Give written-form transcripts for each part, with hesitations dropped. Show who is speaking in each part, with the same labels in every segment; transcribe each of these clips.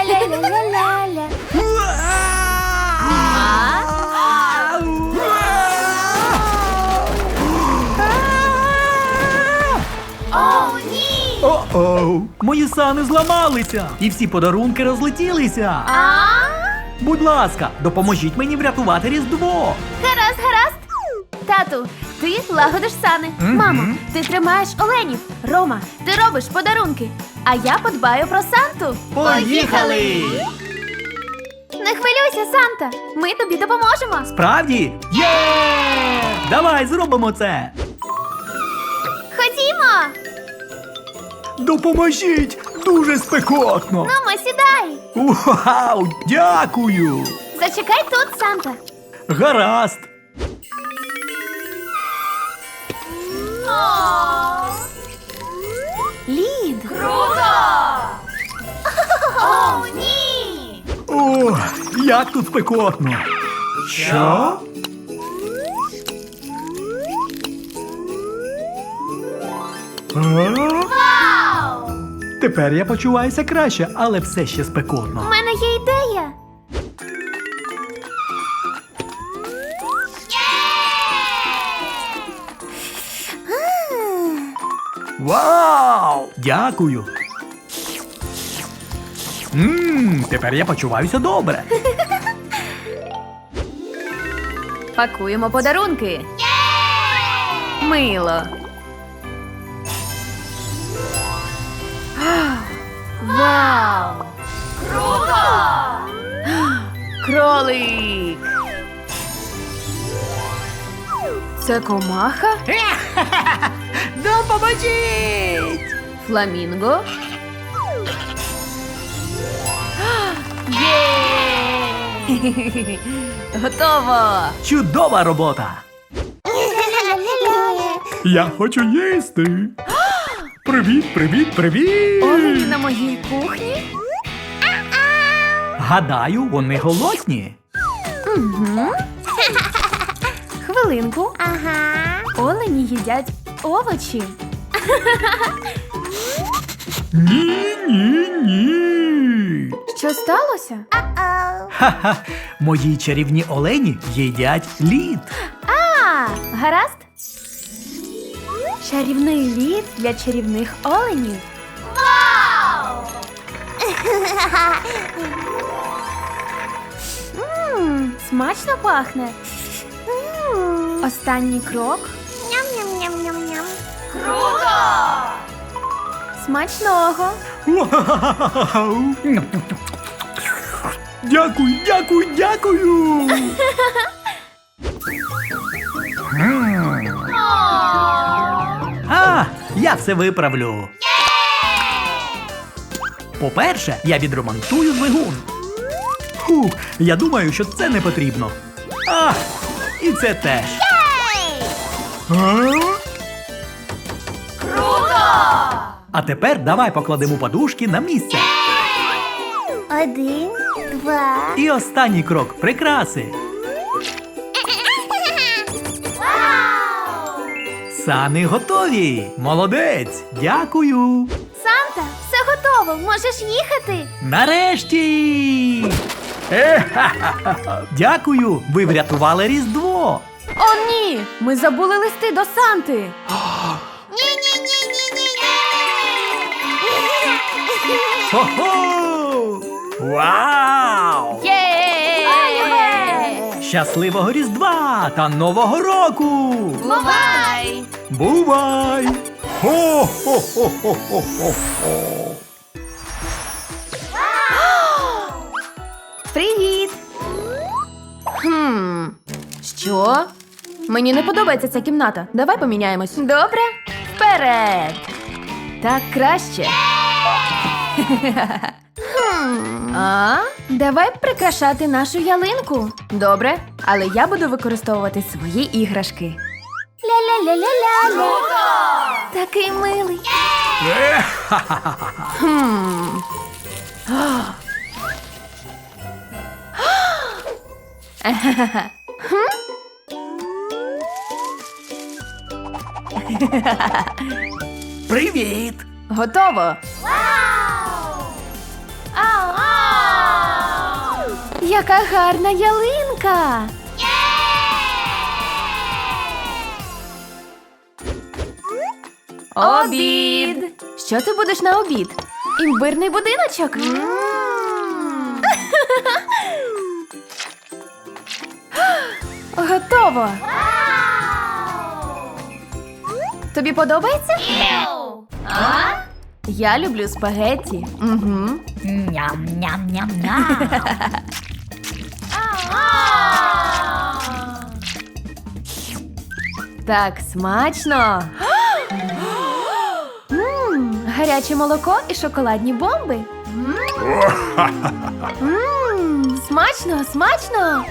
Speaker 1: Ля-ля-ля-ля-ля-ля. О, ні!
Speaker 2: О-оу! Мої сани зламалися! І всі подарунки розлетілися! Будь ласка, допоможіть мені врятувати Різдво!
Speaker 1: Гаразд, гаразд. Тату, ти лагодиш сани. Мамо, ти тримаєш оленів. Рома, ти робиш подарунки. А я подбаю про Санту.
Speaker 2: Поїхали!
Speaker 1: Не хвилюйся, Санта. Ми тобі допоможемо.
Speaker 2: Справді? Є! Давай зробимо це!
Speaker 1: Ходімо.
Speaker 2: Допоможіть! Дуже спекотно!
Speaker 1: Нумо, сідай.
Speaker 2: Вау! Дякую!
Speaker 1: Зачекай тут, Санта.
Speaker 2: Гаразд!
Speaker 1: Лід. Круто! О, ні!
Speaker 2: О, як тут спекотно! Що?
Speaker 1: Вау!
Speaker 2: Тепер я почуваюся краще, але все ще
Speaker 1: У
Speaker 2: спекотно.
Speaker 1: мене є ідея.
Speaker 2: Вау! Дякую! Тепер я почуваюся добре.
Speaker 1: Пакуємо подарунки. Мило. Вау! Круто! Кролик! Це комаха?
Speaker 2: Допоможіть!
Speaker 1: Фламінго? Є! Готово!
Speaker 2: Чудова робота! Я хочу їсти! Привіт, привіт, привіт!
Speaker 1: Олені на моїй кухні?
Speaker 2: Гадаю, вони голодні.
Speaker 1: Хвилинку. Ага. Олені їдять овочі.
Speaker 2: Ні, ні, ні.
Speaker 1: Що сталося?
Speaker 2: Ха-ха, мої чарівні олені їдять лід.
Speaker 1: Гаразд? Чарівний лід для чарівних оленів. Вау! Смачно пахне. Останній крок. Ням-ням-ням-ням-ням. Круто! Смачного!
Speaker 2: Вау! Дякую, дякую, дякую! Я все виправлю. По-перше, я відремонтую двигун. Фух, я думаю, що це не потрібно. І це теж.
Speaker 1: Круто!
Speaker 2: А тепер давай покладемо подушки на місце.
Speaker 1: 1, 2.
Speaker 2: І останній крок – прикраси. Сани готові. Молодець. Дякую.
Speaker 1: Санта, все готово. Можеш їхати.
Speaker 2: Нарешті. Дякую. Ви врятували Різдво.
Speaker 1: О, ні! Ми забули листи до Санти.
Speaker 2: Хо-хо! Вау!
Speaker 1: Є!
Speaker 2: Щасливого Різдва та Нового року!
Speaker 1: Бувай!
Speaker 2: Бувай! Хо-хо-хо-хо-хо-хо!
Speaker 1: Привіт! Що? Мені не подобається ця кімната. Давай поміняємось. Добре? Вперед! Так краще. Давай прикрашати нашу ялинку. Добре, але я буду використовувати свої іграшки. Ля-ля-ля-ля-ля-ля. Такий милий.
Speaker 2: Привіт!
Speaker 1: Готово. Ау! Яка гарна ялинка! Обід! Що ти будеш на обід? Імбирний будиночок? Готово! Тобі подобається? Я люблю спагетті. Угу.
Speaker 3: Ням-ням-ням-ням.
Speaker 1: Так смачно. Гаряче молоко і шоколадні бомби. Смачно, смачно.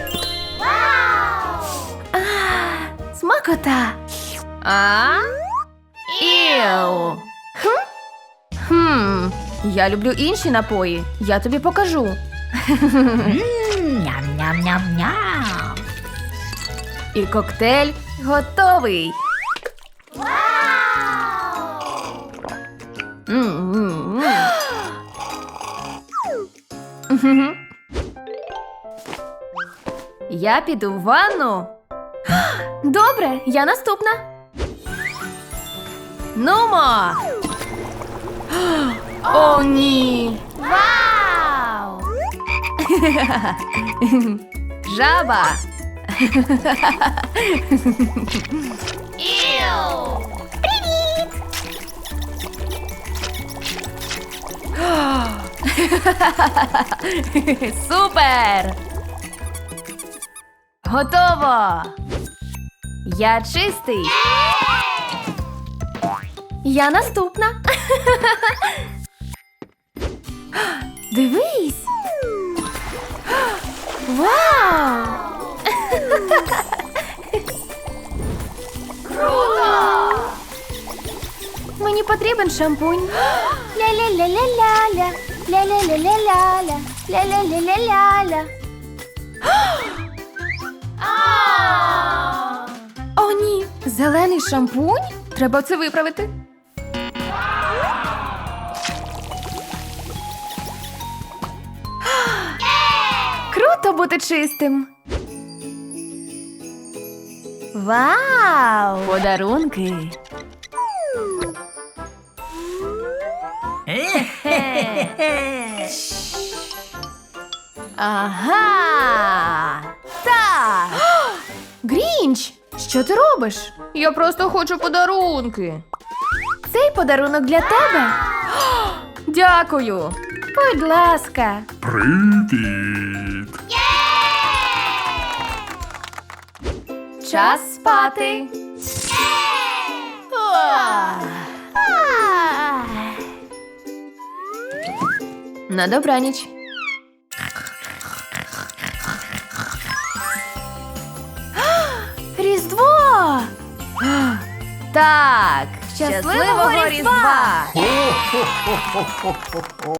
Speaker 1: Смакота. Іу. Я люблю інші напої. Я тобі покажу.
Speaker 3: Ням-ням-ням-ням.
Speaker 1: І коктейль готовий. Я піду в ванну. Добре, я наступна. Нумо. О, ні. Вау! Жаба. Супер! Готово! Я чистий. Я наступна. Дивись. Вау! Круто! Мені потрібен шампунь. Ля-ля-ля-ля-ля-ля. Ля-ля-ля-ля-ля-ля. Ля-ля-ля-ля-ля-ля. О, ні! Зелений шампунь? Треба це виправити. Круто бути чистим. Вау! Подарунки. Ага! Так! Грінч! Що ти робиш? Я просто хочу подарунки. Цей подарунок для тебе. Дякую. Будь ласка.
Speaker 4: Привіт!
Speaker 1: Час спати. На добраніч. Різдво! Так, щасливого Різдва!